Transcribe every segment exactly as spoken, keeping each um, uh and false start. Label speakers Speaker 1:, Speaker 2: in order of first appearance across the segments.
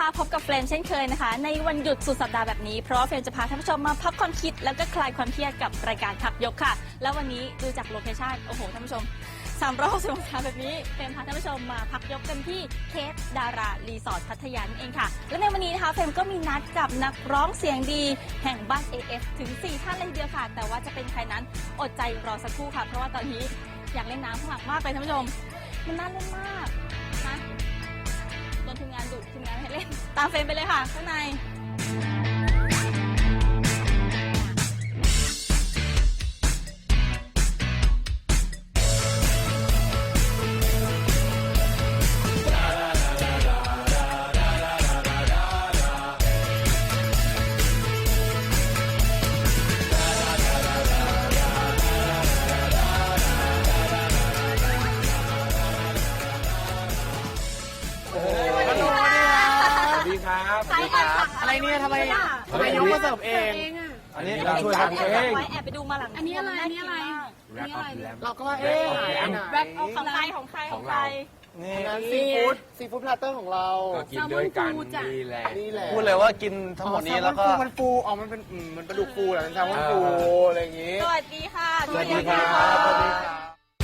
Speaker 1: ค่ะพบกับเฟรมเช่นเคยนะคะในวันหยุดสุดสัปดาห์แบบนี้เพราะว่าเฟรมจะพาท่านผู้ชมมาพักความคิดแล้วก็คลายความเครียดกับรายการพักยกค่ะแล้ววันนี้ดูจากโลเคชั่นโอ้โหท่านผู้ชมสามร้อยหกสิบองศาแบบนี้เฟรมพาท่านผู้ชมมาพักยกกันที่เคสดารารีสอร์ทพัทยานั่นเองค่ะและในวันนี้นะคะเฟรมก็มีนัดกับนักร้องเสียงดีแห่งบ้าน เอ เอฟ ถึงสี่ท่านเลยทีเดียวค่ะแต่ว่าจะเป็นใครนั้นอดใจรอสักครู่ค่ะเพราะว่าตอนนี้อยากเล่นน้ำข้างหลังมากเลยท่านผู้ชมมันน่าเล่นมากนะโดนทีมงานดุทีมงานให้เล่นตามเฟรมไปเลยค่ะข้างใน
Speaker 2: อะไรเนี่ยทำไมทำไมยกมาเสิร์ฟเองอันนี้เราช่วยกันเอง
Speaker 1: แอบไปดูมาหลัง
Speaker 3: อันนี้อะไรอันนี้อะไรอันนี้อะไร
Speaker 2: เราก็ว่าเอ๊ะ
Speaker 1: แบ็คของใครของใครของใคร
Speaker 2: นี่ซีฟู้ดซีฟู้ดพลาเตอร์ของเรา
Speaker 4: กินด้วยกันนี่แหละ
Speaker 2: นี่แหละ
Speaker 4: พูดเลยว่ากินทั้งหมดนี้แล้วก็
Speaker 2: มันฟูอ๋อมันเป็นมันเป็นปลาดุกฟูแหละมันแซลมอนฟูอะไรอย่างงี้
Speaker 1: สวัสดีค่ะ
Speaker 2: สวัสดีค่ะสวัสดีค่ะ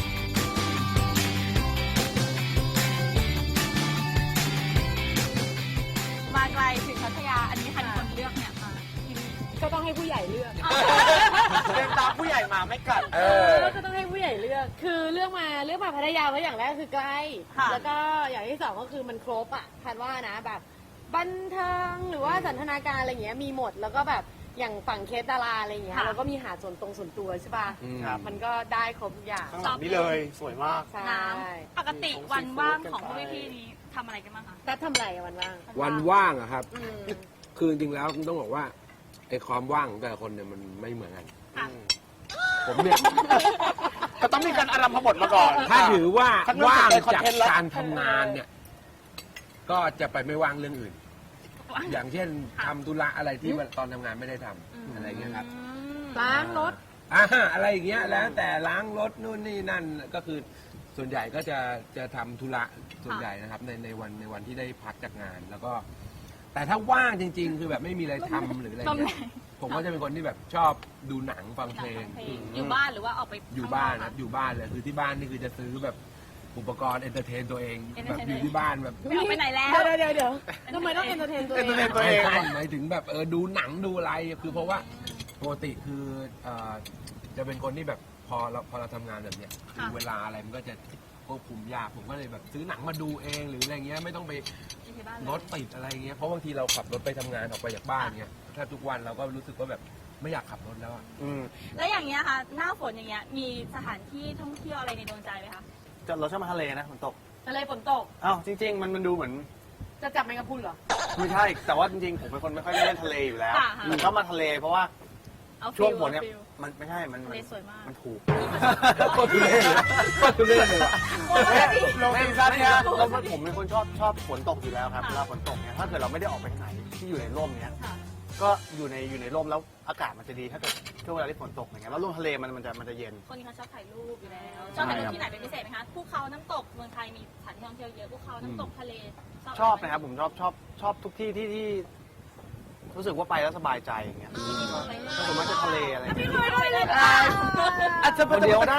Speaker 1: มาไกลถึงพัทยาอันนี้ใครเป็นคนเลือกเนี่ยมาที่นี่
Speaker 3: ก็ต้องให้ผู้ใหญ่เลือก
Speaker 2: เดินตามผู้ใหญ่มาไม่กัด
Speaker 3: เออก็ต้องให้ผู้ใหญ่เลือกคือเลือกมาเลือกมาพัทยาเพราะอย่างแรกคือใกล้แล้วก็อย่างที่สองก็คือมันครบอ่ะคันว่านะแบบบันเทิงหรือว่าสันทนาการอะไรเงี้ยมีหมดแล้วก็แบบอย่างฝั่งเคสดาราอะไรเงี้ยเราก็มีหาดส่วนตรงส่วนตัวใช่ป่ะมันก็ได้ครบทุกอย่าง
Speaker 2: ข้างหลังนี่เลยสวยมาก
Speaker 1: น้ำปกติวันว่างของพวกพี่ๆนี้ทำอะไรกันบ้างคะ
Speaker 3: แต่ทำอะไรวันว่าง
Speaker 4: วันว่างอะครับคือจริงๆแล้วต้องบอกว่าไอ้ความว่างของแต่ละคนเนี่ยมันไม่เหมือนกันผมเนี่ย
Speaker 2: ก็ต้องมีการอารัมพบทมาก่อน
Speaker 4: ถ้าถือว่าว่างจากการทำงานเนี่ยก็จะไปไม่ว่างเรื่องอื่นอย่างเช่นทำธุระอะไรที่ตอนทำงานไม่ได้ทำอะไรเงี้ยครับ
Speaker 3: ล้างรถ
Speaker 4: อ่าอะไรอย่างเงี้ยแล้วแต่ล้างรถนู่นนี่นั่นก็คือส่วนใหญ่ก็จะจะทำธุระส่วนใหญ่นะครับในในวันในวันที่ได้พักจากงานแล้วก็แต่ถ้าว่างจริงๆคือแบบไม่มีอะไรทำหรืออะไรเงี้ยผมก็จะเป็นคนที่แบบชอบดูหนังฟังเพลง
Speaker 1: อยู่บ้านหรือว่าออกไป
Speaker 4: อยู่บ้านนะอยู่บ้านเลยคือที่บ้านนี่คือจะซื้อแบบอุปกรณ์เอนเตอร์เทนตัวเองแบบอยู่ที่บ้านแบบ
Speaker 1: ไม่ออกไปไหนแล้ว
Speaker 3: เดี๋ยวเดี๋ยวเดี๋ยวทำไมต้องเอนเตอร์เทนตัวเอง
Speaker 2: ตัวเอง
Speaker 4: หมายถึงแบบเออดูหนังดูอะไรคือเพราะว่าปกติคือจะเป็นคนที่แบบพอเราพอเราทำงานแบบเนี้ยเวลาอะไรมันก็จะควบคุมยากผมก็เลยแบบซื้อหนังมาดูเองหรืออะไรเงี้ยไม่ต้องไปรถติดอะไรเงี้ยเพราะบางทีเราขับรถไปทำงานออกไปจากบ้านเงี้ยแทบทุกวันเราก็รู้สึกว่าแบบไม่อยากขับรถแล้วอ่ะ
Speaker 1: แล้วอย่างเงี้ยค่ะหน้าฝนอย่างเงี้ยมีสถานที่ท่องเที่ยวอะไรในดวงใจไหมคะ
Speaker 2: เราชอบมาทะเลนะฝนตก
Speaker 3: ทะเลฝนตก
Speaker 2: อ้าวจริงๆมันมันดูเหมือน
Speaker 3: จะจับแมงกะพรุนเหรอ
Speaker 2: ไม่ใช่แต่ว่าจริงๆผมเป็นคนไม่ค่อยได้เล่นทะเลอยู่แล้วผมชอบมาทะเลเพราะว่าช่วงฝนเนี่ยมันไม่ใช่มันมันถูก
Speaker 4: ก็ทุเรศก็ทุเรศเลยว่ะ
Speaker 2: ลงซีซั่นเนี่ยเราผมเป็นคนชอบชอบฝนตกอยู่แล้วครับเวลาฝนตกเนี่ยถ้าเกิดเราไม่ได้ออกไปไหนที่อยู่ในร่มเนี่ยก็อยู่ในอยู่ในร่มแล้วอากาศมันจะดีถ้าเกิดช่วงเวลาที่ฝนตกอย่างเงี้ยแล้วลมทะเลมันมันจะมันจะเย็น
Speaker 1: คนนี้เขาชอบถ่ายรูปอยู่แล้วชอบถ่ายรูปที่ไหนเป็นพิเศษไหมคะภูเขาน้ำตกเมืองไทยมีสถานที่ท่องเที่ยวเยอะภูเขาน้ำตกทะเล
Speaker 2: ชอบนะครับผมชอบชอบชอบทุกที่ที่ที่รู้สึกว่าไปแล้วสบายใจอย่างเงี้ยผมมักจะทะเลอะไรไม่เคยไปเลยอาจจะคนเดียวได้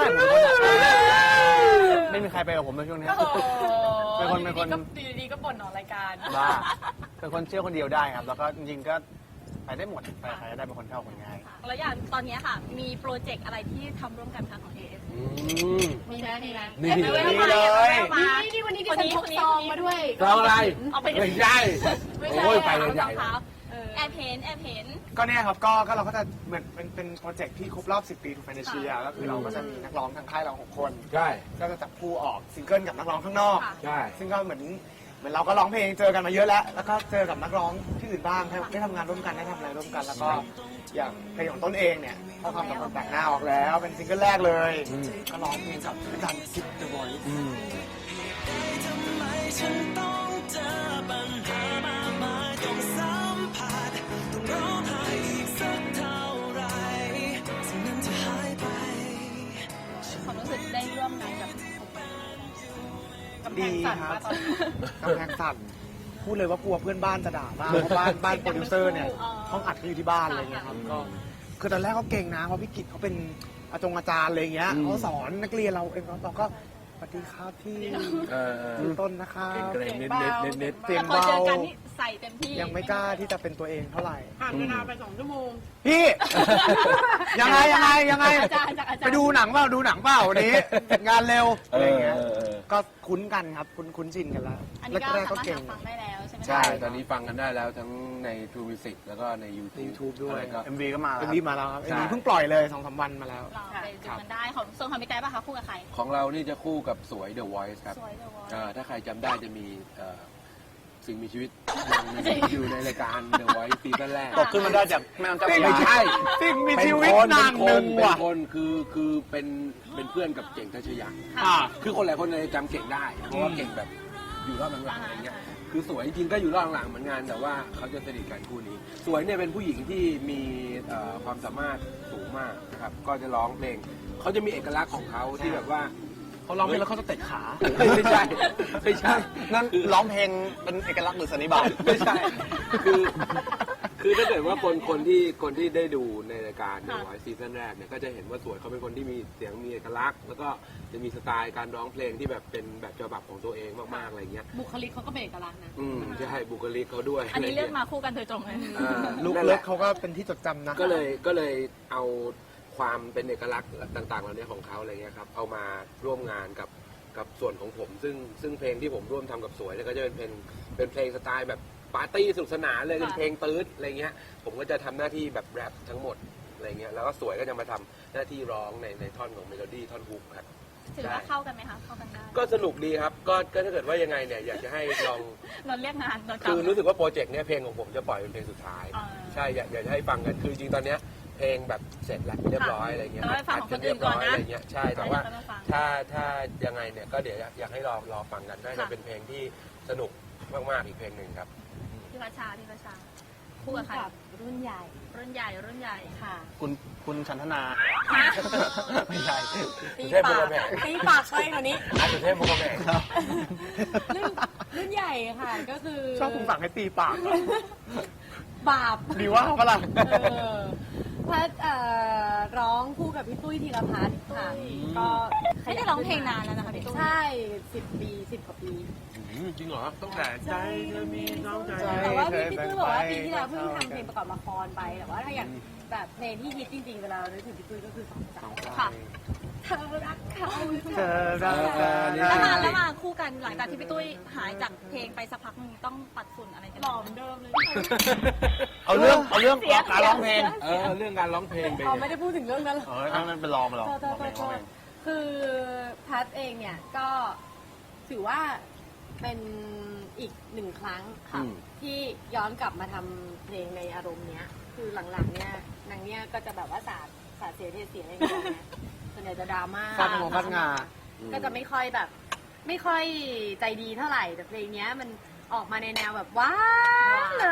Speaker 2: ไม่มีใครไปกับผมในช่วงนี้เป็นคนเป็นคน
Speaker 3: ดีๆก็บ่นออกรายการ
Speaker 2: ว่าเป็นคนเชื่อคนเดียวได้ครับแล้วก็จริงๆก็ไปได้หมดไปใครได้เป็นคนเข้าคนง่าย
Speaker 1: แล้วอย่างตอนนี้ค่ะมีโปรเจกต์อะไรที่ทำร่วมกันคะของ เอ เอฟ
Speaker 3: มีไหมมีไหม
Speaker 4: นี่
Speaker 2: เลย
Speaker 3: นี่วันนี้ดิฉันพกซองมาด้วย
Speaker 4: ซองอะไรไม่ใช่โอ้ยไปใหญ่
Speaker 1: แอบเห็นแอบเห็น
Speaker 2: ก็เนี่ยครับก็ก็เราก็จะเหมือนเป็นเป็นโปรเจกต์ที่ครบรอบสิบปีทูแฟนเชียก็คือเราก็จะมีนักร้องทางค่ายเราหกคน
Speaker 4: ใช่
Speaker 2: ก็จะจับคู่ออกซิงเกิลกับนักร้องข้างนอก
Speaker 4: ใช่
Speaker 2: ซึ่งก็เหมือนเหมือนเราก็ร้องเพลงเจอกันมาเยอะแล้วแล้วก็เจอกับนักร้องที่อื่นบ้างได้ทำงานร่วมกันได้ทำอะไรร่วมกันแล้วก็อย่างเพลงของต้นเองเนี่ยเขาทำกับคนแต่งหน้าออกแล้วเป็นซิงเกิลแรกเลยก็ร้องเพลงกับอาจารย์ซิปเดอะวอยซ์
Speaker 1: ความรู้สึกได้ร่วมงานกับ
Speaker 2: ดีครับกำแพงสั่นพูดเลยว่ากลัวเพื่อนบ้านจะด่ามากเพราะบ้านบ้านโปรดิวเซอร์เนี่ยห้องอัดเขาอยู่ที่บ้านอะไรเงี้ยครับก็คือตอนแรกเขาเก่งนะเพราะพี่กิตเขาเป็นอาจงอาจารย์อะไรเงี้ยเขาสอนนักเรียนเราเองเราก็สวัสดีครับพี่
Speaker 4: เออเออ
Speaker 2: ชื่อต้นนะครับ
Speaker 4: เกรงนิดนิดนิดนิด
Speaker 2: เสียง
Speaker 1: พอ
Speaker 2: เบา
Speaker 1: เจอกันนี่ใส่เต็มที่
Speaker 2: ยังไม่กล้าที่จะเป็นตัวเองเท่าไหร่
Speaker 3: ผ่านเวลาไปสองชั่วโมง
Speaker 2: พี่ ยังไงยังไงยังไง
Speaker 1: อาจารย์จากอาจารย์
Speaker 2: ไปดูหนังเปล่าดูหนังเปล่าวันนี้เสร็จงานเร็ว
Speaker 4: เอ
Speaker 2: อะไร
Speaker 4: อ
Speaker 2: เงี้ย
Speaker 4: เออเออ
Speaker 2: ก็คุ้นกันครับคุ้นคุ้นชินกันแล้ว
Speaker 1: อันนี้ก็
Speaker 2: แรกๆ
Speaker 1: สา
Speaker 2: ก็
Speaker 1: มารถ
Speaker 2: เก่ง
Speaker 1: หาฟังได้แล้วใช่ไหมคะ
Speaker 4: ใช่ ตอนนี้ฟังกันได้แล้วทั้งใน True Music แล้วก็ใน YouTube
Speaker 2: YouTube ด้วย
Speaker 4: อะไรก็
Speaker 5: เอ็มวีก็มา
Speaker 2: เอ็
Speaker 5: แล้ว
Speaker 2: มวีมาแล้วครับเอ็
Speaker 4: ใช่
Speaker 2: มวีเพิ่งปล่อยเลยสองสามวันมาแล้ว
Speaker 1: เราไปดูกันได้ของส่วนของพี่ไก่ป่ะคะคู่กับใคร
Speaker 4: ของเรานี่จะคู่กับสวย The Voice ครับ
Speaker 1: สวยเลยวะ
Speaker 4: อ่าถ้าใครจำได้จะมีเอ่อสิ่งมีชีวิตอยู่ในรายการ The Voice ซีซั่นแรก
Speaker 5: ตกขึ้นมาได้จากแม่น้ำเจ้าพระ
Speaker 4: ไม่
Speaker 5: ยา
Speaker 4: ใช่
Speaker 2: สิ่งมี
Speaker 4: เป็น
Speaker 2: ชีวิต
Speaker 4: คน
Speaker 2: นาง
Speaker 4: เป็น
Speaker 2: ห
Speaker 4: ค
Speaker 2: นึ่
Speaker 4: น
Speaker 2: ง
Speaker 4: เป็น
Speaker 2: ว่ะ
Speaker 4: คนคือคือเป็นเป็นเพื่อนกับเก่งทัชยะ
Speaker 2: อ่า
Speaker 4: คือคนหลายคนเลยจำเก่งได้ เพราะว่าเก่งแบบอยู่รอบหลังๆอะไรเงี้ย คือสวยจริงๆก็อยู่รอบหลังๆเหมือนกันแต่ว่าเขาจะสนิทกันคู่นี้ สวยเนี่ยเป็นผู้หญิงที่มีเอ่อความสามารถสูงมากนะครับ ก็จะร้องเพลงเขาจะมีเอกลักษณ์ของเขาที่แบบว่า
Speaker 2: เขาร้องเพลงแล้วเขาจะเตะขา
Speaker 4: ไม่ใช่ไม่ใช่
Speaker 5: นั่นร้องเพลงเป็นเอกลักษณ์หรือสันนิบาต
Speaker 4: ไม่ใช่ คือ คือถ้าเกิดว่าคนคนที่คนที่ได้ดูในรายการดูไอซีซั่นแรกเนี่ยก็จะเห็นว่าสวยเขาเป็นคนที่มีเสียงมีเอกลักษณ์ แล้วก็จะมีสไตล์การร้องเพลงที่แบบเป็นแบบฉบับของตัวเองมากๆอะไรเงี้ย
Speaker 3: บุคลิกเขาก็เป็นเอกลักษณ์นะ
Speaker 4: อืมใช่บุคลิกเขาด้วย
Speaker 1: อันนี้เลือกมาคู่กันโดยตรงเลย
Speaker 4: อ่า
Speaker 2: ลุก
Speaker 4: นั่นแห
Speaker 2: เลิ
Speaker 4: ละ
Speaker 2: กเขาก็เป็นที่จดจำนะ
Speaker 4: ก็เลยก็เลยเอาความเป็นเอกลักษณ์ต่างๆเหล่านี้ของเขาอะไรเงี้ยครับเอามาร่วมงานกับกับส่วนของผม ซึ่งซึ่งเพลงที่ผมร่วมทำกับสวยเนี่ยก็จะเป็นเพลงเป็นเพลงสไตล์แบบปาร์ตี้สนุกสนานเลยเป็นเพลงตื๊ดอะไรเงี้ยผมก็จะทำหน้าที่แบบแรปทั้งหมดอะไรเงี้ยแล้วก็สวยก็จะมาทำหน้าที่ร้องในในท่อนของเมโลดี้ท่อนฮุกครับ
Speaker 1: ถือว่าเข้ากันไหมคะเข้ากันได้
Speaker 4: ก็สนุกดีครับก็ก็ถ้าเกิดว่ายังไงเนี่ยอยากจะให้ลอง
Speaker 1: นนเรียกงานนน
Speaker 4: คือรู้สึกว่าโปรเจกต์เนี้ยเพลงของผมจะปล่อยเป็นเพลงสุดท้าย
Speaker 1: อ่า
Speaker 4: ใช่อยากอยากจะให้ฟังกันคือจริงๆตอนเนี้ยเพลงแบบเสร็จแล้วเรียบร้อยอะไรเงี้ย
Speaker 1: แต่ว่าฟังของคนอื่นก่อนนะ
Speaker 4: อะไรเงี้ยใช่แต่ว่า
Speaker 1: ให้เราฟัง
Speaker 4: ถ้าถ้ายังไงเนี่ยก็เดี๋ยวอยากให้รอรอฟังกันน่าจะ
Speaker 1: ค่ะ
Speaker 4: เป็นเพลงที่สนุกมากๆอีกเพลงหนึ่งครับ
Speaker 1: พี่พัชชาพี่พัชชาคู่กับใคร
Speaker 3: รุ่นใหญ่
Speaker 1: รุ่นใหญ่รุ่นใหญ่
Speaker 3: ค่ะ
Speaker 5: คุณคุณชันธนา
Speaker 1: ฮะ
Speaker 5: ไม่ใช่
Speaker 3: ตี
Speaker 4: เทพบุ
Speaker 3: ปา
Speaker 4: ญ
Speaker 3: ก
Speaker 4: แม่
Speaker 3: ตีปากไปกว่านี้
Speaker 4: อาสุเทพบุญแม่
Speaker 3: รุ่นรุ่นใหญ่ค่ะ ก็คือ
Speaker 2: ชอบคุณสั่งให้ตีปากอะ
Speaker 3: บาป
Speaker 2: ดีว่าเขาปะล่ะ
Speaker 3: เออพัดเอ่อร้องคู่กับพี่ตุ้ยธีรพัฒน์ค่ะ ก็ข
Speaker 1: ไม่
Speaker 3: ยับ
Speaker 1: ได้ร้องเพลงนานแล้วนะคะพี่ตุ้ย
Speaker 3: ใช่สิบปีสิบกว่าปี
Speaker 4: จริงเหรอต้องแต่ใจเธอมีน้องใจ
Speaker 2: ใจ
Speaker 3: แต่ว่าพี่
Speaker 2: เคย
Speaker 3: พี่ตุ้ยบอกว่า
Speaker 2: เป็นไป
Speaker 3: ปีที่แล้วเพิ่ง
Speaker 2: เท่า
Speaker 3: ทำเพลงประกอบละครไป แต่ว่าถ้าอย่างแบบเพลงที่ฮิตจริงๆ เวลาเรานึกถึงพี่ตุ้ยก็คือสองสาว
Speaker 1: ค่ะ
Speaker 3: เธอรักเขา
Speaker 2: เธอรักกัน
Speaker 1: แล้วมาแล้วมาคู่กันหลังจากที่พี่ตุ้ยหายจากเพลงไปสักพักนึงต้องปัดฝุ่นอะไรกัน
Speaker 3: หล่อเหมือนเดิมเลย
Speaker 5: เอาเรื่องเอาเรื่อง
Speaker 1: เสีย
Speaker 5: การร้องเพลง
Speaker 4: เออเรื่องการร้องเพลงไป
Speaker 3: เอาไม่ได้พูดถึงเรื่องนั้นหรอก
Speaker 5: เออนั่นเป็นรองไปหรอ
Speaker 3: โทษโทษโทษโทษคือพัดเองเนี่ยก็ถือว่าเป็นอีกหนึ่งครั้งค่ะที่ย้อนกลับมาทำเพลงในอารมณ์เนี้ย คือหลังๆเนี่ยนางเนี่ยก็จะแบบว่าสาดสาดเสียเทเสียอะไรอย่างเงี้ยส่วนใหญ่จะดราม่า
Speaker 2: ฟาดงงฟาดงา
Speaker 3: ก็จะไม่ค่อยแบบ ไม่ค่อยใจดีเท่าไหร่แต่เพลงเนี้ยมันออกมาในแนวแบบว้าวเลย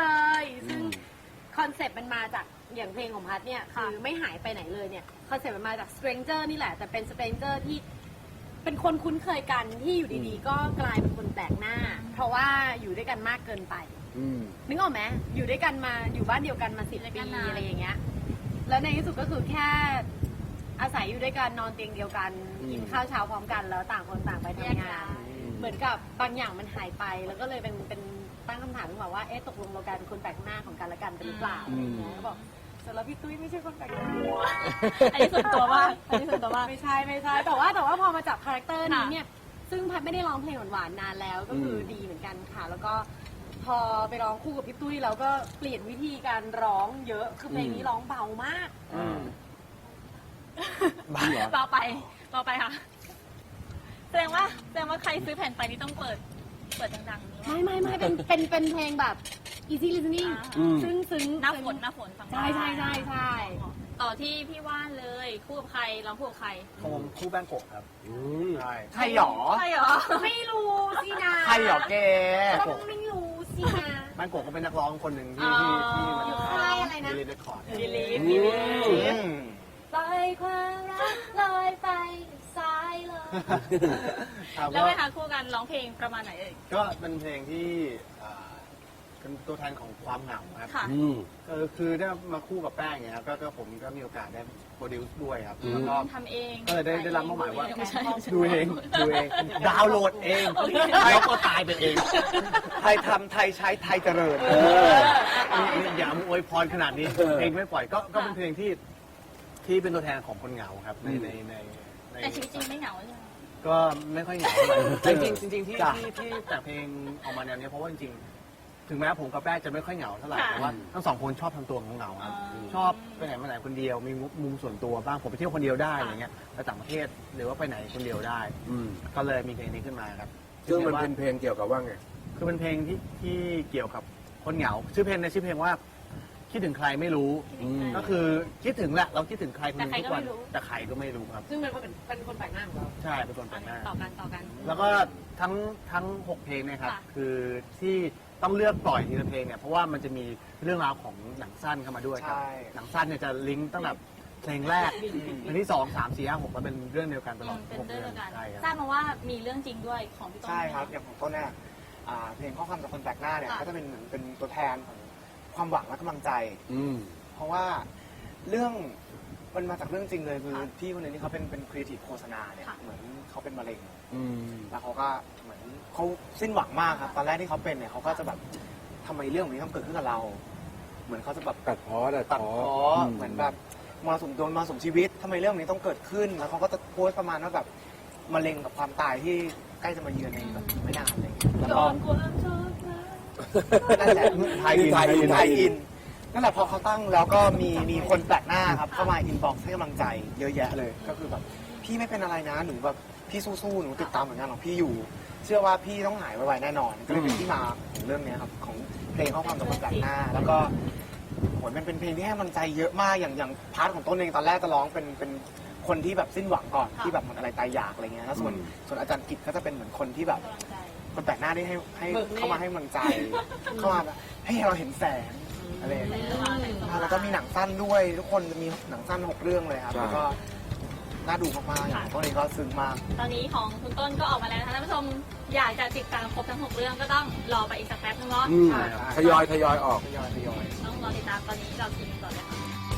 Speaker 3: ซึ่งคอนเซ็ปต์มันมาจากอย่างเพลงของพัทเนี่ยคือไม่หายไปไหนเลยเนี่ยคอนเซ็ปต์มันมาจาก stranger นี่แหละแต่เป็น stranger ที่เป็นคนคุ้นเคยกันที่อยู่ดีๆ ก็กลายเป็นคนแปลกหน้า เพราะว่าอยู่ด้วยกันมากเกินไป
Speaker 4: อืม
Speaker 3: นึกออกไหมอยู่ด้วยกันมาอยู่บ้านเดียวกันมาสิบปีอะไรอย่างเงี้ยแล้วในที่สุดก็คือแค่อาศัยอยู่ด้วยกันนอนเตียงเดียวกัน
Speaker 4: อืม
Speaker 3: กินข้าวเช้าพร้อมกันแล้วต่างคนต่างไปทำงาน เหมือนกับบางอย่างมันหายไป แล้วก็เลยเป็นเป็นตั้งคำถามขึ้นมาว่าเอ๊ะตกลงเรากลายเป็นคนแปลกหน้าของกันและกันเป็นหรือเปล่าอะไรอย่างเงี้ยก็บอกสำหรับพี่ตุ้ยไม่ใช่คนแปลกหน้า
Speaker 1: อันนี้ส่วนตัวมากอันนี้ส่วนตัวมาก
Speaker 3: ไม่ใช่ไม่ใช่แต่ว่าแต่ว่าพอมาจับคาแรคเตอร์นี้
Speaker 1: ค่ะ
Speaker 3: เนี่ยซึ่งพัดไม่ได้ร้องเพลงหวานๆนานแล้วก็คืออ
Speaker 4: ม
Speaker 3: ดีเหมือนกันค่ะ แล้วก็พอไปร้องคู่กับพี่ตุ้ยแล้วก็เปลี่ยนวิธีการร้องเยอะคือเพลงนี้ร้องเบามาก
Speaker 4: อืม
Speaker 5: บ้าเหรอ
Speaker 1: ต่อไปต่อไปค่ะแสดงว่าแสดงว่าใครซื้อแผ่นไปนี่ต้องเปิดเปิดดังๆนี้
Speaker 3: ไม่ไม่ไม่เป็นเป็นเป็นเพลงแบบ easy listening
Speaker 4: อืม
Speaker 3: ซึ้งซึ้ง
Speaker 1: หน้าฝนหน้าฝนฟังได้
Speaker 3: ใช่ใช่ใช่ใช่
Speaker 1: ต่อที่พี่ว่านเลยคู่กับใครร้องคู่กับใคร
Speaker 5: ผมคู่แบงโกะครับ
Speaker 4: อืม
Speaker 5: ใช่
Speaker 2: ใครหรอ
Speaker 1: ใช่เหรอ
Speaker 3: ไม่รู้สินะ
Speaker 2: ใครหรอแก
Speaker 3: ต้องไม่รู้สินะ
Speaker 5: แบงโกะก็เป็นนักร้องคนหนึ่งที่ที่ที่มัน
Speaker 3: อยู่ค่ายอะไรนะ
Speaker 5: ดีลิทคอร์ด
Speaker 1: ดีลีฟ
Speaker 4: อื
Speaker 1: ดี
Speaker 4: ม
Speaker 1: ลีฟ
Speaker 3: ปล่อยความรักลอยไปสายเลย
Speaker 5: ครับ
Speaker 1: แล้ว
Speaker 5: ก็
Speaker 1: เวลาคู่กันร้องเพลงประมาณไหนเอ่ย
Speaker 5: ก็เป็นเพลงที่อ่าเป็นตัวแทนของความเหงาครับ
Speaker 1: ค่ะ
Speaker 4: อืม
Speaker 5: เออคือได้มาคู่กับแป้งเนี่ยครับก็ก็ผมก็มีโอกาสได้โปรดิวซ์ด้วยครับ
Speaker 4: อืม
Speaker 5: แล้วก็
Speaker 1: ทำเอง
Speaker 5: เออได้ได้รับมอบหมายว่า
Speaker 1: ไม่ใช่ไม่ใช่
Speaker 5: ดูเองดูเองดาวน์โหลดเองแล้วก็ตายไปเอง
Speaker 2: ไทยทำไทยใช้ไทยเจริญ
Speaker 5: เอออย่ามาอวยพรขนาดนี้
Speaker 4: เออ
Speaker 5: เพลงไม่ปล่อยก็ก็เป็นเพลงที่ที่เป็นตัวแทนของคนเหงาครับใน
Speaker 4: อืม
Speaker 5: ในในใน
Speaker 1: แต่ชีวิตจริงไม่เหงาใช่ไหม
Speaker 5: ก็ไม่ค่อยเหงาเท่าไหร่จริงๆจริงๆที่
Speaker 2: จ้ะ
Speaker 5: ที่ที่แต่งเพลงออกมาแนวเนี้ยเพราะว่าจริงๆถึงแม้ผมกับแป้งจะไม่ค่อยเหงาเท่าไหร่
Speaker 1: ค่ะ
Speaker 5: แต่ว่าทั้งสองคนชอบทำตัวเหงาๆครับ
Speaker 1: อ๋อ
Speaker 5: ชอบไปไหนมาไหนคนเดียวมีมุมส่วนตัวบ้างผมไปเที่ยวคนเดียวได้อะไรเงี้ยไปต่างประเทศหรือว่าไปไหนคนเดียวได้
Speaker 4: อืม
Speaker 5: ก็เลยมีเพลงนี้ขึ้นมาครับ
Speaker 4: ซึ่งมันเป็นเพลงเกี่ยวกับว่าไง
Speaker 5: คือเป็นเพลงที่ที่เกี่ยวกับคนเหงาชื่อเพลงในยชื่อเพลงว่าคิดถึงใครไม่รู้
Speaker 4: อืม
Speaker 5: ก็คือคิดถึงแหละเราคิดถึงใครคนหนึง
Speaker 1: แต่
Speaker 5: ทุก
Speaker 1: ใครก็
Speaker 5: วั
Speaker 1: ไม่
Speaker 5: น
Speaker 1: รู้
Speaker 5: แต่ใครก็ไม่รู้ครับ
Speaker 3: ซึ่งมันเป็นเป็นคนแปลกหน้าของเรา
Speaker 5: ใช่เป็นคนแปลกหน้า
Speaker 1: ต่อกันต่อกัน
Speaker 5: แล้วก็ทั้งทั้งหกเพลงเนะครับ
Speaker 1: ค่ะ
Speaker 5: คือที่ต้องเลือกปล่อยทีละเพลงเนี่ยเพราะว่ามันจะมีเรื่องราวของหนังสั้นเข้ามาด้วยครับ
Speaker 2: ใช่
Speaker 5: หนังสั้นเนี่ยจะลิงก์ตั้งแต่เพลงแรกเพลงที่สองสามสี่ห้าหกแล้วเป็นเรื่องเดียวกันตลอด
Speaker 1: เป็น
Speaker 5: หก
Speaker 1: เรื่อง
Speaker 5: เรื่อ
Speaker 1: เดี
Speaker 5: ง
Speaker 1: ยวกัน
Speaker 5: ใช่ครับ
Speaker 1: ทราบมาว่ามีเรื่องจริงด้วยของพี่ต้น
Speaker 2: ใช่ครับ อย่างของต้นเนี่ยอ่าเพลงข้อความจากคนแปลกหน้าเนี่ย
Speaker 1: ค่ะ
Speaker 2: ก็จะเป็นเหมือนเป็นตัวแทนของความหวังและกำลังใจ
Speaker 4: อืม
Speaker 2: เพราะว่าเรื่องมันมาจากเรื่องจริงเลยคือพี่คนนึงที่เขาเป็นเป็นครีเอทีฟโฆษณาเนี่ยเหมือนเขาเป็นมะเร็ง
Speaker 4: อืม
Speaker 2: แล้วเขาก็เหมือนเขาสิ้นหวังมากครับตอนแรกที่เขาเป็นเนี่ยเขาก็จะแบบทำไมเรื่องแบบนี้ต้องเกิดขึ้นกับเรา เหมือนเขาจะแบบ
Speaker 4: ตัดพ้อตัด
Speaker 2: ตัด
Speaker 4: พ้อ
Speaker 2: พ้อเหมือนแบบมรสุมโดนมรสุมชีวิตทำไมเรื่องนี้ต้องเกิดขึ้น แล้วเขาก็จะโพสต์ประมาณว่าแบบมะเร็งกับความตายที่ใกล้จะมาเยือนในแบบไม่นานอะไรอย่างเงี้ยแล้วก็ นั่นแหละไทยอิน
Speaker 4: ไทยอิน
Speaker 2: ไทยอินนั่นแหละพอเขาตั้งแล้วก็มีมีคนแปลกหน้าครับเข้ามาอินบ็อกซ์ให้กำลังใจเยอะแยะเลย ก็คือแบบพี่ไม่เป็นอะไรนะหนูแบบพี่สู้ๆหนูติดตามผลงานของพี่อยู่ เชื่อว่าพี่ต้องหายไวๆแน่นอนก็เลยเป็นที่มาของเรื่องเนี้ยครับของเพลงข้อความจากคนแปลกหน้า แล้วก็โหมันเป็นเพลงที่ให้กำลังใจเยอะมากอย่างอย่างพาร์ทของต้นเองตอนแรกจะร้องเป็นเป็นคนที่แบบสิ้นหวังก่อนที่แบบเหมือนอะไรตายอยากอะไรเงี้ยแล้วส่วนส่วนอาจารย์กิจก็จะเป็นเหมือนคนที่แบบ คนแปลกหน้าที่ให้ให้
Speaker 3: เบิกเนตร
Speaker 2: เข้ามาให้กำลังใจ เข้ามาแบบให้เราเห็นแสงอะไรอย่างเงี้ยอ่าแล้วก็มีหนังสั้นด้วย ทุกคนจะมีหนังสั้นหกเรื่องเลยครับ
Speaker 4: ใช่
Speaker 2: แล้วก็น่าดูมากๆอย่างตัวนี้ก็ซึ้งมาก
Speaker 1: ตอนนี้ของคุณต้นก็ออกมาแล้วนะคะท่านผู้ชมอยากจะติดตามครบทั้งหกเรื่องก็ต้องรอไปอีกสักแป๊บนึงเนาะ
Speaker 4: อืมทยอยทยอยออก
Speaker 2: ทยอยทยอย
Speaker 1: ต้องรอติดตามตอนนี้เราทีมก่อนเลยค่ะ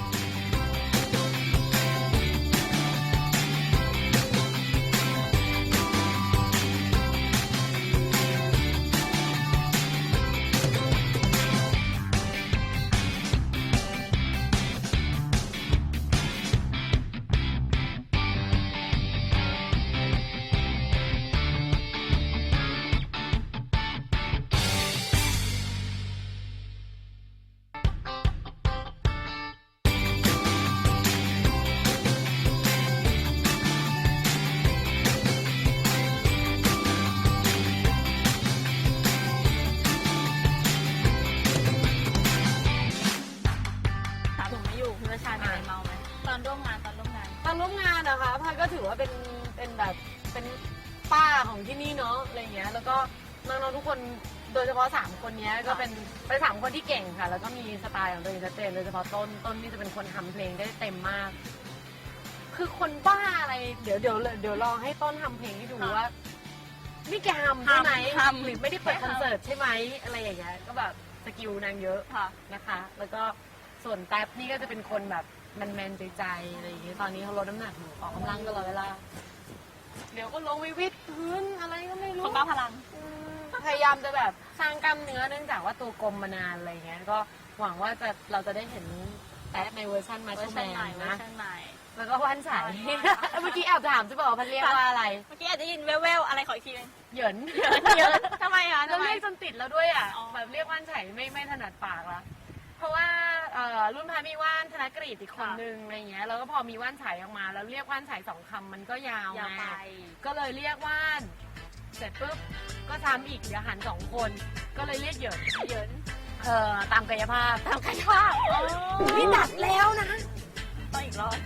Speaker 1: ถามผมไม่อยู่คุณประชามีอะไรเมาไหมตอนร่วมงานตอนร่วมงาน
Speaker 3: ตอนร่วมงานนะคะพันก็ถือว่าเป็นเป็นแบบเป็นป้าของที่นี่เนาะอะไรเงี้ยแล้วก็น้องๆทุกคนโดยเฉพาะสามคนเนี้ยก็เป็นเป็นสามคนที่เก่งค่ะ แล้วก็มีสไตล์ของตัวเองชัดเจนโดยเฉพาะต้นต้นที่จะเป็นคนทำเพลงได้เต็มมาก คือคนบ้าอะไรเดี๋ยวเดี๋ยวเดี๋ยวลองให้ต้นทำเพลงให้ดูว่านี่แกทำใช่ไหม
Speaker 1: ทำทำ
Speaker 3: หรือไม่ได้เปิดคอนเสิร์ตใช่ไหมอะไรอย่างเงี้ยก็แบบสกิลนางเยอะ
Speaker 1: ค่ะ
Speaker 3: นะคะ แล้วก็ส่วนแท็บนี่ก็จะเป็นคนแบบแมนๆใจๆอะไรอย่างเงี้ย ตอนนี้เขาลดน้ำหนักอยู่ออกกำลังตลอดเวลา เดี๋ยวก็ลงไปวิดพื้นอะไรก็ไม่
Speaker 1: ค
Speaker 3: รู้
Speaker 1: นบ้าพลัง
Speaker 3: อืมพยายามจะแบบสร้างกล้ามเนื้อเนื่องจากว่าตัวกลมมานานอะไรเงี้ย ก็หวังว่าจะเราจะได้เห็นแท็บในเวอร์ชันมา
Speaker 1: เวอ
Speaker 3: ช
Speaker 1: ร์
Speaker 3: แม
Speaker 1: ชันใหม่
Speaker 3: น
Speaker 1: เวอ
Speaker 3: นะ
Speaker 1: ร์ชันใหม่
Speaker 3: แล้วก็วันใส
Speaker 1: วัน
Speaker 3: เมื่อกี้แอบถามจะบอกว่าพันเรียกว่าอะไร
Speaker 1: เมื่อกี้อาจจะยินแว่วๆอะไรขออีกทีหนึง
Speaker 3: เหยิน
Speaker 1: เยอะทำไมอ่ะ
Speaker 3: แล้ว
Speaker 1: ทำไม
Speaker 3: เรียกจนติดแล้วด้วยอ่ะ
Speaker 1: อ๋อ
Speaker 3: แบบเรียกว่านไฉไม่ไม่ถนัดปากละเพราะว่าเอ่อรุ่นพามีว่านธนกฤษอีกคนนึงอะไรเงี้ยแล้วก็พอมีว่านไฉออกมา แล้วเรียกว่านไฉสองคำมันก็ยาวย
Speaker 1: าวไป
Speaker 3: ไงก็เลยเรียกว่าน เสร็จปุ๊บก็ทำอีกเดี๋ยวหันสองคน ก็เลยเรียกเหยิน
Speaker 1: เหยิน
Speaker 3: เอ่อตามกายภาพ
Speaker 1: ตามกันว่า
Speaker 3: นี่หนักแล้วนะ
Speaker 1: ต้องอีกรอบ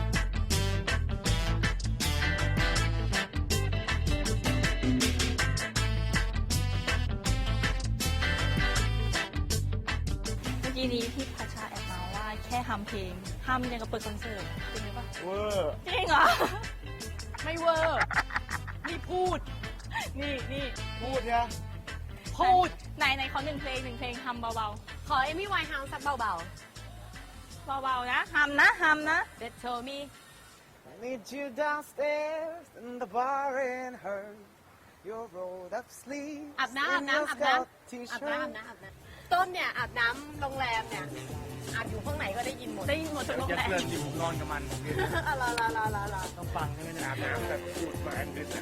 Speaker 1: เมื่อกี้นี้ที่พัชชาแอบมาว่าแค่ทำเพลงทำยังกับเปิดคอนเสิร์ตจริงหรือเปล่า
Speaker 2: เวอร์
Speaker 1: จริงเหรอ
Speaker 3: ไม่เวอร์นี่พูด
Speaker 1: นี่นี่
Speaker 2: พูดเนี่ย
Speaker 3: พูด
Speaker 1: ไหนไหนขอหนึ่งเพลงหนึ่งเพลงทำเบา
Speaker 3: ขอเอมี่ไวน์เฮาส์สักเบา
Speaker 1: ๆ เบาๆนะทำนะทำนะ
Speaker 3: ๆ That told me
Speaker 2: I need you downstairs in the bar and her your rolled up sleeves
Speaker 3: อาบน้ำอาบ
Speaker 2: and
Speaker 3: น้ำ
Speaker 2: your
Speaker 3: อาบน้ำ
Speaker 2: scout
Speaker 3: อาบ
Speaker 2: t-shirt
Speaker 3: น้ำอาบน้ำอาบน้ำต้นเนี่ยอาบน้ำโรงแรมเนี่ยอาบอยู่ข้างไหนก็ได้ยินหมด
Speaker 1: ได้ยินหมดทุกโรง
Speaker 5: จะ
Speaker 1: แรม
Speaker 5: เพื่อนอยู่นอนกับมัน
Speaker 3: อะลาลาลาลาลา
Speaker 5: ต้องฟังใช่ไหมเนี่ย
Speaker 4: อาบน้ำแบบพูดมาอันดึกนะ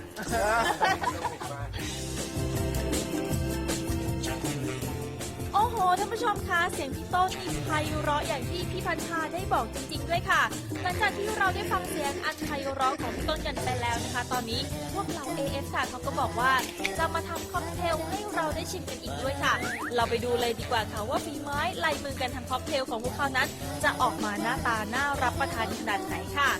Speaker 1: โอ้โหท่านผู้ชมคะเสียงพี่ต้นนี่ไพเราะอย่างที่พี่พันธาได้บอกจริงๆด้วยค่ะ หลังจากที่เราได้ฟังเสียงอันไพเราะของพี่ต้นกันไปแล้วนะคะ ตอนนี้พวกเรา เอ เอฟ ค่ะเขาก็บอกว่าจะมาทำค็อกเทลให้เราได้ชิมกันอีกด้วยค่ะ เราไปดูเลยดีกว่าค่ะว่าฝีไม้ลายมือการทำค็อกเทลของพวกเขานั้น จะออกมาหน้าตาน่ารับประทานขนาดไหนค่ะ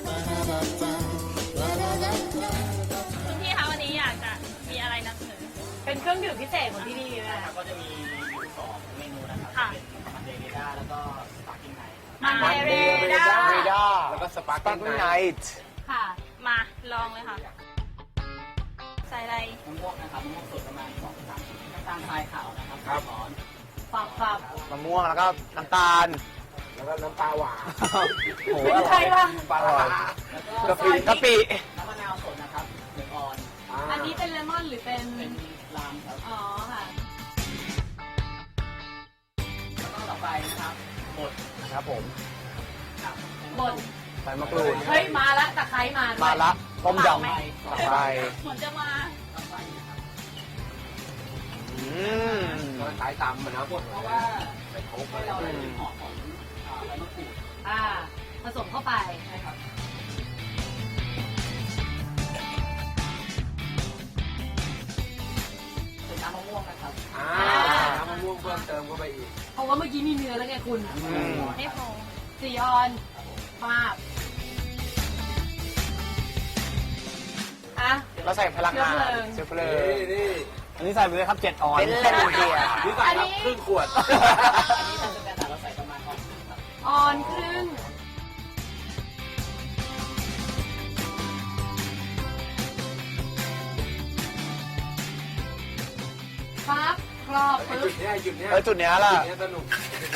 Speaker 1: คุณพี่คะวันนี้อยากจะมีอะไรนำเสนอ
Speaker 3: เป็นเครื่องดื่มพิเศษของที่นี่นะ
Speaker 6: ก็จะมีอยู่สองเมนูนะครับ
Speaker 1: ค่ะ
Speaker 6: เป็นมันเดเรด้าแล้วก็สปาร์กิ้งไนท์
Speaker 1: มันเดเรด้า
Speaker 2: เรดาร์
Speaker 4: แล้วก็สปาร์
Speaker 2: ตั้ง
Speaker 4: กิ้ง
Speaker 2: ไน
Speaker 4: ไนท์
Speaker 2: ท์
Speaker 1: ค่ะ มาลองเลยค่ะ ใส่อะไร
Speaker 6: มะม่วงนะครับมะม่วงสดประมาณสองสามชิ้นน้ำตาลทรายขาวนะครับสองช้อน
Speaker 3: ฝักฝัก
Speaker 2: มะม่วงแล้วก็น้ำตาล
Speaker 4: แล้วก็น้ำปลาหวาน
Speaker 2: โอ้โห
Speaker 3: เป็นใครวะ
Speaker 4: ปลาร้าก
Speaker 2: ะปิกะปิ
Speaker 6: น้ำมะนาวสดนะครับหนึ่งออน
Speaker 3: อันนี้เป็นเลมอนหรือเป็น
Speaker 6: เป็นลามครับ
Speaker 3: อ๋อค่ะ
Speaker 6: แล้วก็ต่อไปนะครับบด
Speaker 2: นะครับผม
Speaker 6: ครับ
Speaker 3: บด
Speaker 2: ใส่มะกรูด
Speaker 3: เฮ้ยมาละตะไคร้มาด้วย
Speaker 2: มาละต้มยำ
Speaker 6: ไป
Speaker 2: ต่อไป
Speaker 1: เหมือนจะมา
Speaker 6: ต่อไปนะครับ
Speaker 2: อืม
Speaker 4: ก็ขายตำมันนะพวก
Speaker 6: เพราะว่า
Speaker 4: ไปโค้ก
Speaker 6: ให้
Speaker 4: อะไร
Speaker 6: เราได้กลิ่นหอมของอ่าใบมะกรูด
Speaker 3: อ่า ผสมเข้าไป
Speaker 6: ใช่ครับเป็นน้ำมะม่วงนะครับ
Speaker 4: อ่าน้ำมะม่วงเพิ่มเติมเข้าไปอีก
Speaker 3: เพราะว่าเมื่อกี้มีเนื้อแล้วไงคุณ
Speaker 2: อืม
Speaker 1: ไม่พอ
Speaker 3: สี่ออนมาบอ่ะ
Speaker 2: เราใส่พลังงาน
Speaker 3: เชื้
Speaker 2: เชื้
Speaker 3: อ
Speaker 2: อ
Speaker 3: เพ
Speaker 2: เพ
Speaker 3: ลิ
Speaker 2: ลิ
Speaker 3: ง
Speaker 2: ง
Speaker 4: นี่นี่
Speaker 5: อันนี้ใส่ไปเลยครับเจ็ดออน
Speaker 2: เป็นเล่นเดีย
Speaker 4: นี่ใส่ครับครึ่งขวด
Speaker 6: อันนี้เป็นสแตนดาร์ดเราใส่ประมาณออนครึ่งครับ
Speaker 3: ออนครึ่ง ปั๊บกรอบ
Speaker 4: ไอ้
Speaker 3: ปึ๊
Speaker 4: จุ
Speaker 3: บ
Speaker 4: ดเนี้ยไอ้จุดเนี้ย
Speaker 2: เออจุดเนี้ยล่ะ
Speaker 4: จุดเนี้ยสนุก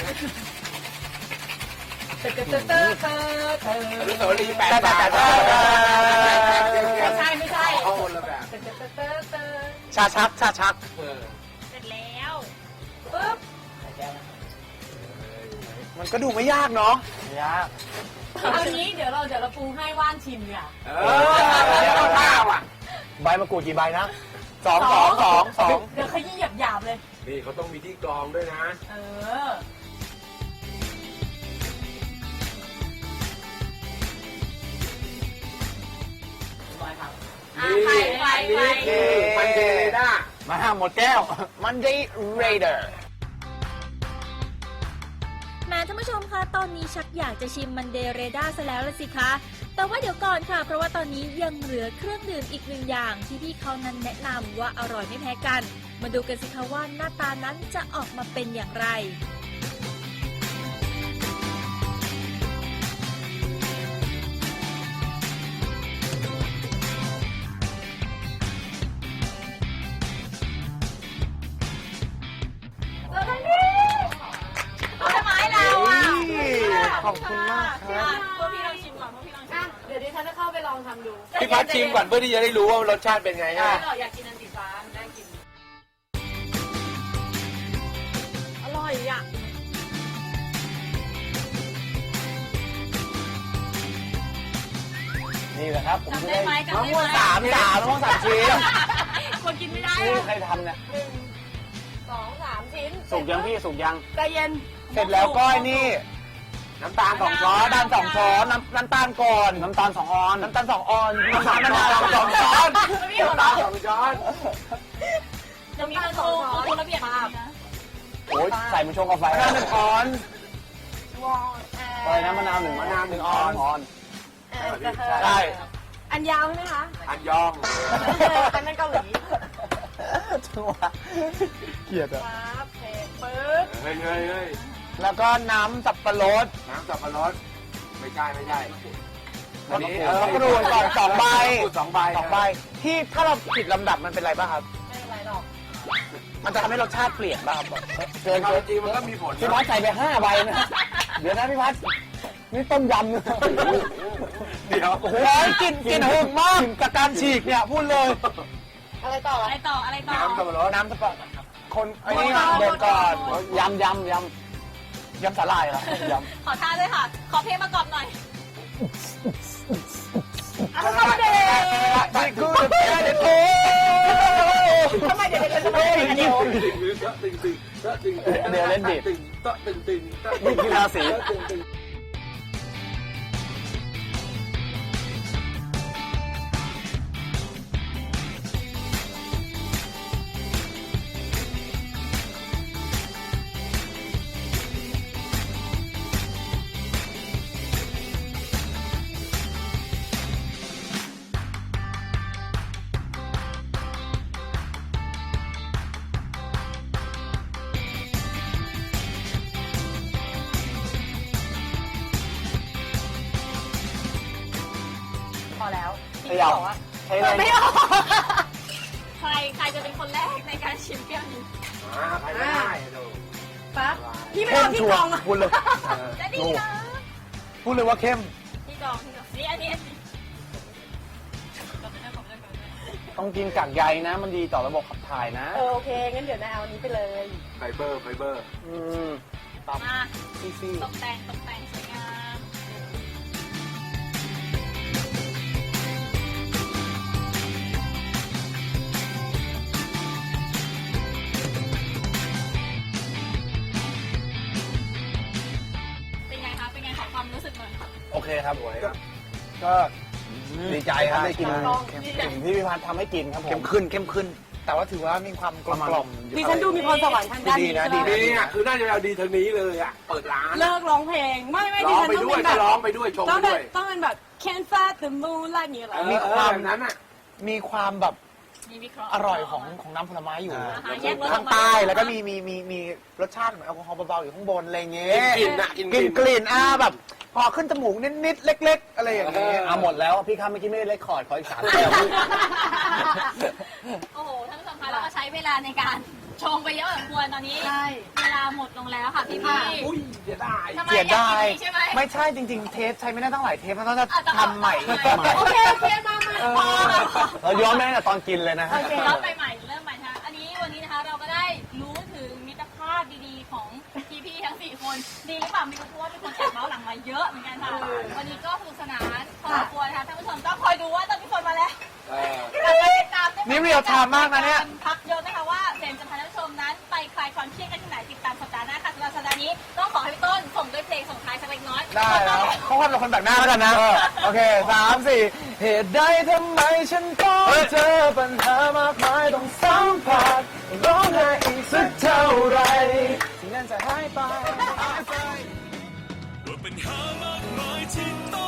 Speaker 3: เตอเตอเตอเตอเตอเตอ
Speaker 4: อนุสาวรีย์แปด
Speaker 2: แต่
Speaker 4: บาท
Speaker 2: แต่แต่
Speaker 3: ไม่ใช่ไม่ใช่
Speaker 4: เอาคนละแบบ
Speaker 3: เตอเตอเตอเตอเตอ
Speaker 2: ชาชักชาชัก
Speaker 4: เออ
Speaker 1: เสร็จแล้ว
Speaker 3: ปึ๊บ
Speaker 6: ใส่แก้วนะครับ
Speaker 2: มันก็ดูไม่ยากเนาะไม่ยาก
Speaker 3: เอางี้เดี๋ยวเราเดี๋ยวเราปรุงให้ว่านชิมเนี่ย
Speaker 4: เออเอาข้าวอ่ะ
Speaker 2: ใบมะกรูดกี่ใบนะสองสองสองสอง
Speaker 3: เดี๋ยวขยี้หยาบๆเลย
Speaker 4: นี่เขาต้องมีที่กรองด้วยนะ
Speaker 3: เออ
Speaker 6: เรียบร้อยครับ
Speaker 3: อ่ะ
Speaker 4: นี่
Speaker 3: ไปไป
Speaker 4: อัน
Speaker 3: ไป
Speaker 4: นี้คือมันเดเรด้า
Speaker 2: มาห้าหมดแก้ว Monday Raider
Speaker 1: แม้ท่านผู้ชมคะตอนนี้ชักอยากจะชิมมันเดเรด้าซะแล้วละสิคะ แต่ว่าเดี๋ยวก่อนค่ะ เพราะว่าตอนนี้ยังเหลือเครื่องดื่มอีกหนึ่งอย่างที่พี่เขานั้นแนะนำว่าอร่อยไม่แพ้กัน มาดูกันสิคะว่าหน้าตานั้นจะออกมาเป็นอย่างไร เราทำนี่เอาทำไมเราอ่ะ
Speaker 2: ขอบคุณมากครับ
Speaker 1: พวกพี่ลองชิมก่อนพวกพี่ลองชิม
Speaker 3: อ่ะ
Speaker 1: ก่อน
Speaker 3: เดี๋ยวดิฉันจะเข้าไปลองทำดู
Speaker 4: พี่พัดชิมก่อนเพื่อที่จะได้รู้ว่ารสชาติเป็นไง
Speaker 3: ไม่
Speaker 4: ฮะ
Speaker 3: หรอกอยากกินอันสีฟ้ามันได้กิน อร่อยอ่ะ
Speaker 2: นี่แหละครับ ผม
Speaker 1: จำ
Speaker 2: จะ
Speaker 1: ได้
Speaker 2: ได้
Speaker 1: ไหมจำ
Speaker 2: มะ
Speaker 1: ได้
Speaker 2: ม่วง
Speaker 1: ไหม
Speaker 2: สามสามมะม่วงสามชิ้น
Speaker 1: คนกินไม่ได้
Speaker 2: นี่
Speaker 1: อะ
Speaker 2: ใครทำเนี่ย
Speaker 3: หนึ่งสองสามชิ้น
Speaker 5: สุกยังพี่สุกยัง
Speaker 3: ใจเย็น
Speaker 2: เสร็จแล้วก็ไอ้นี่
Speaker 4: น้ำตาลสอง
Speaker 2: ช้
Speaker 4: ช้
Speaker 2: อ
Speaker 4: อน น
Speaker 2: น้ำสองช้อนน้ำน้ำตาลก่อน
Speaker 5: น้ำตาลสองออน
Speaker 2: น้ำตาลสองออนน้ำตาลมะนาวสองช้อน
Speaker 3: พี่หัว
Speaker 4: น้ำตา
Speaker 3: เราะ
Speaker 4: ลสองช้อน
Speaker 1: จะมีคนโกงโกงระเบียบอย่างนี้นะ
Speaker 5: โอ้ยใส่มันชงกาแฟ
Speaker 2: มะนาวหนึ่งออน
Speaker 5: อะไรนะมะนาวหนึ่งมะนาวหนึ่งออนออน
Speaker 3: เออเออ
Speaker 2: ใช่
Speaker 3: อันยาวใช่ไหมคะ
Speaker 4: อันยอง
Speaker 3: อันนั้นเกาหลี
Speaker 2: จังหวะเกลียดอะ
Speaker 3: ปั๊บเทปึ๊บ
Speaker 4: เฮ้ยเฮ้ยเฮ้ย
Speaker 2: แล้วก็น้ำสับปะรด
Speaker 4: น้ำสับปะรดไม่ใช่ไม่ใช่อันนี้
Speaker 2: มะกรูดก่อนสองใบ
Speaker 4: มะกรูดสองใบ
Speaker 2: สองใบที่ถ้าเราผิดลำดับมันเป็นไรบ้างครับ
Speaker 3: ไม่เป็นไรหรอก
Speaker 5: มันจะทำให้รสชาติเปลี่ยนบ้างครับเกิน
Speaker 4: เอา
Speaker 5: เกิน
Speaker 4: จริงมันก็มีผล
Speaker 5: พี่พัดใส่ไปห้าใบนะ เดี๋ยวนะพี่พัดนี่ต้มยำนะ
Speaker 4: เดี๋ยว
Speaker 5: โอ้โหกลินกลินหึงมากกับการฉีกเนี่ยพูดเลย
Speaker 3: อะไรต่อ
Speaker 1: อะไรต่ออะไรต่อ
Speaker 4: น้ำสับปะรด
Speaker 5: น้ำสปะคนไอ้นี่บดก่อนยำยำยำยำสาลายเหรอยำ
Speaker 1: ขอท่าด้วยค่ะ ขอเพลงประกอบหน่อย
Speaker 3: อะไรต่อเด็ก
Speaker 5: นี่คือเด็ดโอ้
Speaker 3: ทำไมเด็กๆจะไม่ได้กันเดียว
Speaker 4: ตึงตึงตึงตึง
Speaker 5: เดี๋ยวเล่นดิ
Speaker 4: ตึงตึงตึง
Speaker 5: นี่คือราศี
Speaker 4: ตึงตึง
Speaker 3: พอแล้ว
Speaker 5: เขย่าใช้อะไร
Speaker 3: ไม่ออก
Speaker 1: ใครใครจะเป็นคนแรกในการชิมแก้วนี้
Speaker 4: อ่าใครไม่ได้ดู
Speaker 3: ปั๊บพี่ไม่
Speaker 5: เข้
Speaker 3: เอา
Speaker 5: ม
Speaker 3: ที่
Speaker 5: ชั
Speaker 3: ก
Speaker 5: ว
Speaker 3: รอง
Speaker 5: ร์
Speaker 3: อะ
Speaker 5: พูดเลย
Speaker 1: จะดีนะ
Speaker 5: พูดเลยว่าเข้ม
Speaker 1: ที่กรองที่กรองนี่อันนี้อันนี้กดไปด้วยกดไปด้วยกดไปด้วย
Speaker 5: ต้องกินกากใยนะ มันดีต่อระบบขับถ่ายนะ
Speaker 3: เออโอเคงั้นเดี๋ยวนายเอาอันนี้ไปเลย
Speaker 4: ไฟเบอร์ไฟเบอร์
Speaker 5: อืมตาม
Speaker 1: มา
Speaker 5: ซีซี
Speaker 1: ตกแต่งตกแต่งสวยงามเป็นไงคะเป็นไงขอความรู้สึกหน่อย
Speaker 5: โอเคครับ
Speaker 4: สวยครับ
Speaker 5: ก็ดีใจครับได้กิน
Speaker 3: ลอง
Speaker 5: สิ่งที่พี่พัฒน์ทำให้กินครับผม
Speaker 2: เข้มขึ้นเข้มขึ้น แต่ว่าถือว่ามีความกลมกล่อม
Speaker 3: ดิฉันดูมีพรสวรรค์ทางด้านนี้
Speaker 5: ดีนะดี
Speaker 3: ใช่ไหม
Speaker 4: นี่อ่ะคือน่าจะเอาดีทางนี้เลยอ่ะเปิดร้าน
Speaker 3: เลิกร้องเพลงไม่ไม่ดิ
Speaker 4: ร้อง
Speaker 3: ฉัน
Speaker 4: ไป
Speaker 3: ต้อง
Speaker 4: ด้วย
Speaker 3: เป็นแบ
Speaker 4: ก็
Speaker 3: บ
Speaker 4: ร้องไปด้วยชม
Speaker 3: ต้
Speaker 4: ไป
Speaker 3: องเป็น
Speaker 4: ด้วย
Speaker 3: ต้องเป็นแบบ Can't fight the moonlight อย่างเงี้ยเหรอ
Speaker 5: มีความ
Speaker 4: แบบนั้นอ่ะ
Speaker 2: มีความแบบ
Speaker 1: มีวิเคราะห์
Speaker 2: อร่อยของของน้ำผลไม้อยู่
Speaker 1: อ่าฮะแยกรสอ
Speaker 2: ข้า
Speaker 1: อง กมา
Speaker 2: ใต้แล้วก็มีมีมีมีรสชาติเหมือนแอลกอฮอล์เบาๆอยู่ข้างบนอะไรเงี้ย
Speaker 4: กลิ่นๆน่ะกลิ่นๆ
Speaker 2: กลิ่นกลิ่นอ่าแบบ พอขึ้นจมูกนิดๆเล็ก ๆ อะไรอย่างเงี้ย
Speaker 5: เอาหมดแล้วพี่ครับเมื่อกี้ไม่ได้เลคคอร์ดขออีกสามแก้ว
Speaker 1: โอ้โหท่านผู้ชมคะเราก็ใช้เวลาในการชงไปเยอะพอสมควรตอนนี้
Speaker 3: ใช่
Speaker 1: เวลาหมดลงแล้วค่ะพี่พี่
Speaker 4: อุ้ยเสียดาย
Speaker 1: ทำไม
Speaker 2: เสีย
Speaker 1: อยาก
Speaker 2: ดาย
Speaker 1: กินอีกใช่ไหม
Speaker 2: ไม่ใช่จริง ๆ เทปใช้ไม่ได้ตั้งหลายเทปมันต้องจะ
Speaker 1: อ่ะต้อง
Speaker 2: ทำใหม่
Speaker 1: ต้องใหม่
Speaker 3: โอเคโอเคมามา
Speaker 2: เออ
Speaker 3: พอ
Speaker 5: เราย้อนไปตั้งแต่ตอนกินเลยนะฮะ
Speaker 3: โอเค
Speaker 1: เริ่มใหม่ๆเริ่มใหม่นะคะอันนี้วันนี้นะคะเราก็ได้รู้ถึงมิตรภาพดีๆของพี่ๆทั้งสี่คนดีหรือเปล่าไมีรู้เพราะว่ามีคนแอบเมาส์หลังมาเยอะเหมือนกันค่ะวันนี้ก็สนุกสนานพอสมควรนะคะท่านผู้ชมต้องคอยดูว่าตอนพี่ฝนมาแล้ว
Speaker 4: เออ
Speaker 1: ติดตามได้
Speaker 2: นี่เรียลไทม์มากนะเนี่ย
Speaker 1: พักเยอะนะคะว่าเฟรมจะพาท่านผู้ชมนั้นไปคลายความเครียดกันที่ไหนติดตามสัปดาห์หน้าค่ะสำหรับสัปดาห์นี้ต้องขอให้พี่ต้นส่งด้วยเพลงส่งท้ายสักเล็กน้อย
Speaker 2: ได้แล้วเขาว่าเราคนแบกหน้าแล้วกันนะ โอเคสามสี่เหตุใดทำไมฉันต้องเจอปัญหามากมายต้องสัมผัสร้องไห้อีกสักเท่าไรสิ่งนั้นจะหายไป
Speaker 7: ว่าปัญหามากมายที่ต้อง